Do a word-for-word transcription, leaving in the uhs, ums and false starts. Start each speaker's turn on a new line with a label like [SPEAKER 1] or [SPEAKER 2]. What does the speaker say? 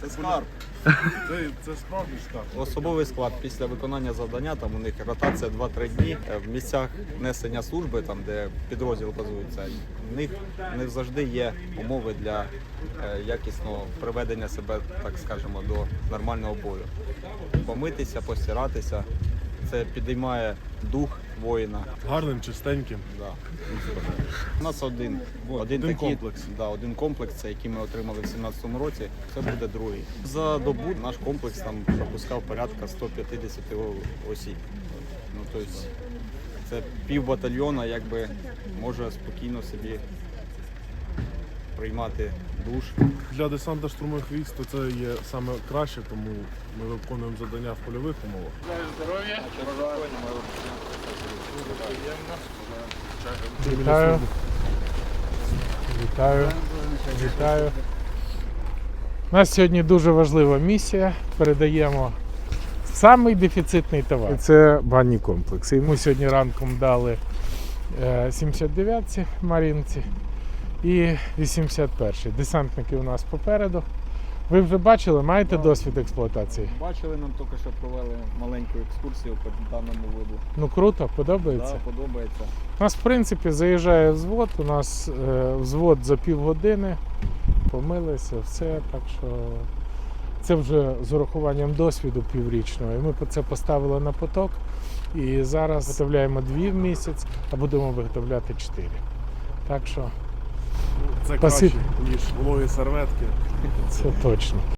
[SPEAKER 1] Це скарб. Це, це справді скарб.
[SPEAKER 2] Особовий склад після виконання завдання, там у них ротація два-три дні. В місцях несення служби, там де підрозділ базується, в них не завжди є умови для е, якісного приведення себе, так скажемо, до нормального бою. Помитися, постиратися, це підіймає дух воїна.
[SPEAKER 1] Гарним, чистеньким.
[SPEAKER 2] Да. У нас один, один,
[SPEAKER 1] один
[SPEAKER 2] такий,
[SPEAKER 1] комплекс.
[SPEAKER 2] Да, один комплекс, це який ми отримали в сімнадцятому році, це буде другий. За добу наш комплекс там пропускав порядка сто п'ятдесят осіб. Ну, тобто, це пів батальйона, якби може спокійно собі приймати душ.
[SPEAKER 1] Для десанта штурмових військ то це є саме краще, тому ми виконуємо завдання в польових умовах.
[SPEAKER 3] Вітаю. Вітаю. Вітаю. У нас сьогодні дуже важлива місія. Передаємо самий дефіцитний товар. Це банні комплекси. Йому сьогодні ранком дали сімдесят дев'ятці Марінці і вісімдесят перший. Десантники у нас попереду. Ви вже бачили, маєте досвід експлуатації?
[SPEAKER 2] Бачили, нам тільки що провели маленьку екскурсію по даному виду.
[SPEAKER 3] Ну круто, подобається?
[SPEAKER 2] Да, подобається.
[SPEAKER 3] У нас, в принципі, заїжджає взвод, у нас е, взвод за півгодини, помилися, все, так що це вже з урахуванням досвіду піврічного. І ми це поставили на поток, і зараз виготовляємо дві в місяць, а будемо виготовляти чотири. Так що
[SPEAKER 1] Це
[SPEAKER 3] Спасибо.
[SPEAKER 1] краще, ніж вологі серветки.
[SPEAKER 3] це точно.